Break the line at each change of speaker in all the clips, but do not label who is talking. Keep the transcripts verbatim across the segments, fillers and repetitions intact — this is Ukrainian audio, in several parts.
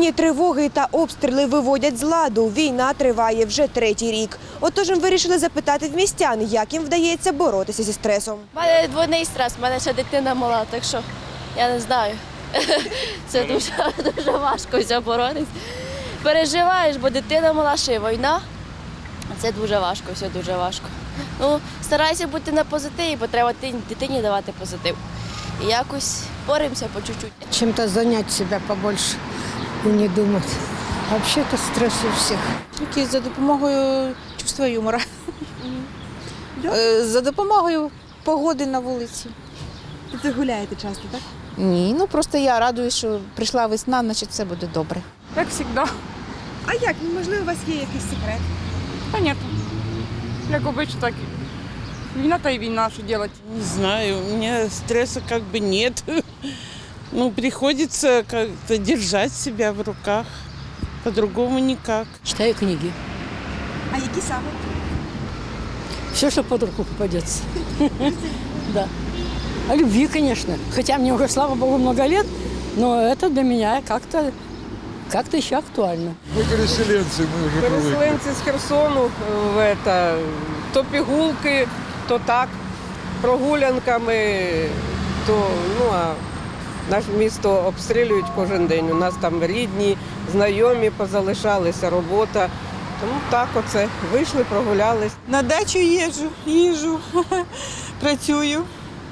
Повітряні тривоги та обстріли виводять з ладу. Війна триває вже третій рік. Отож ми вирішили запитати в містян, як їм вдається боротися зі стресом.
У мене двойний стрес, у мене ще дитина мала, так що я не знаю. Це дуже, дуже важко все боротися. Переживаєш, бо дитина мала, ще й війна. Це дуже важко, все дуже важко. Ну, старайся бути на позитиві, бо треба дитині давати позитив. І якось боремося по чуть-чуть.
Чем-то занять себя побольше и не думать. Вообще-то стресс у всех.
Якісь за допомогою чувства юмора. Е, За допомогою погоди на вулиці.
Ви гуляєте часто, так?
Ні, ну просто я радуюсь, що прийшла весна, значить все буде добре.
Как всегда.
А як? Можливо, у вас є якийсь секрет?
Понятно. Як обычно, так. Війна-то и війна, что делать?
Не знаю, у меня стресса как бы нет. Ну, приходится как-то держать себя в руках. По-другому никак.
Читаю книги.
А які саме?
Все, что под руку попадется. Да. О любви, конечно. Хотя мне уже, слава богу, много лет, но это для меня как-то как-то еще актуально.
Мы переселенцы, мы уже привыкли.
Переселенці з Херсону, в это, то пігулки, то так, прогулянками, то, ну, а наше місто обстрілюють кожен день. У нас там рідні, знайомі позалишалися, робота. Тому так оце, вийшли, прогулялись.
На дачу їжджу, їжджу, працюю.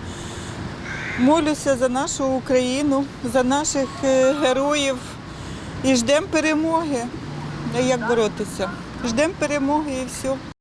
Молюся за нашу Україну, за наших е, героїв і ждемо перемоги. А як боротися? Ждемо перемоги і все.